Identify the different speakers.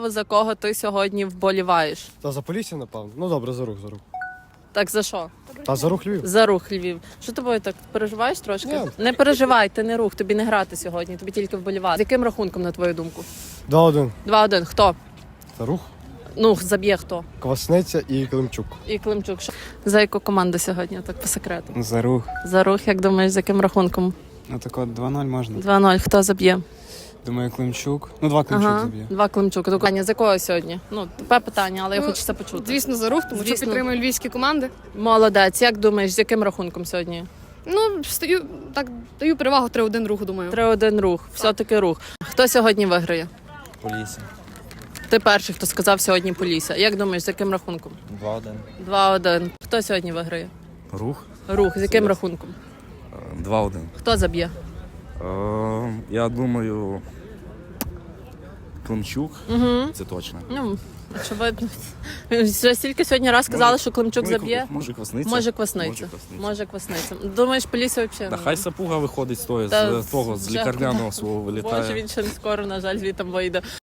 Speaker 1: За кого ти сьогодні вболіваєш?
Speaker 2: Та за Полісся, напевно. Ну добре, за рух.
Speaker 1: Так за що?
Speaker 2: Та за рух Львів.
Speaker 1: За рух Львів. Що тобою так переживаєш трошки?
Speaker 2: Ні.
Speaker 1: Не переживай, ти не рух, тобі не грати сьогодні, тобі тільки вболівати. З яким рахунком, на твою думку?
Speaker 2: 2-1.
Speaker 1: 2-1. Хто?
Speaker 2: За рух,
Speaker 1: Ну, заб'є хто?
Speaker 2: Квасниця і Климчук.
Speaker 1: І Климчук. За яку команду сьогодні, так по секрету?
Speaker 3: За рух.
Speaker 1: За рух, як думаєш, з яким рахунком?
Speaker 3: Ну так от 2-0 можна.
Speaker 1: 2-0. Хто заб'є?
Speaker 3: Думаю, Климчук. Ну, 2 Климчук заб'є.
Speaker 1: 2 Климчук. Аня, з якого сьогодні? Ну, тупе питання, але я хочу це почути.
Speaker 4: Звісно, за рух, тому що
Speaker 1: Звісно.
Speaker 4: підтримую львівські команди.
Speaker 1: Молодець. Як думаєш, з яким рахунком сьогодні?
Speaker 4: Ну, даю перевагу 3-1 руху, думаю.
Speaker 1: 3-1 рух. Все-таки рух. Хто сьогодні виграє?
Speaker 5: Полісся.
Speaker 1: Ти перший, хто сказав сьогодні Полісся. Як думаєш, з яким рахунком?
Speaker 5: 2-1.
Speaker 1: 2-1. Хто сьогодні виграє?
Speaker 5: Рух.
Speaker 1: Рух. З яким рахунком?
Speaker 5: 2-1.
Speaker 1: Хто заб'є?
Speaker 5: Я думаю, Климчук. Це точно.
Speaker 1: Ну, очевидно. Вже стільки сьогодні раз сказали, що Климчук заб'є.
Speaker 5: Може Квасниця.
Speaker 1: Може Квасниця. Може Квасниця. Думаєш, Полісся взагалі?
Speaker 5: Та хай Сапуга виходить з того,
Speaker 1: Та
Speaker 5: з
Speaker 1: вже-
Speaker 5: лікарняного свого
Speaker 1: Боже,
Speaker 5: вилітає.
Speaker 1: він ще не скоро, на жаль, звітом вийде.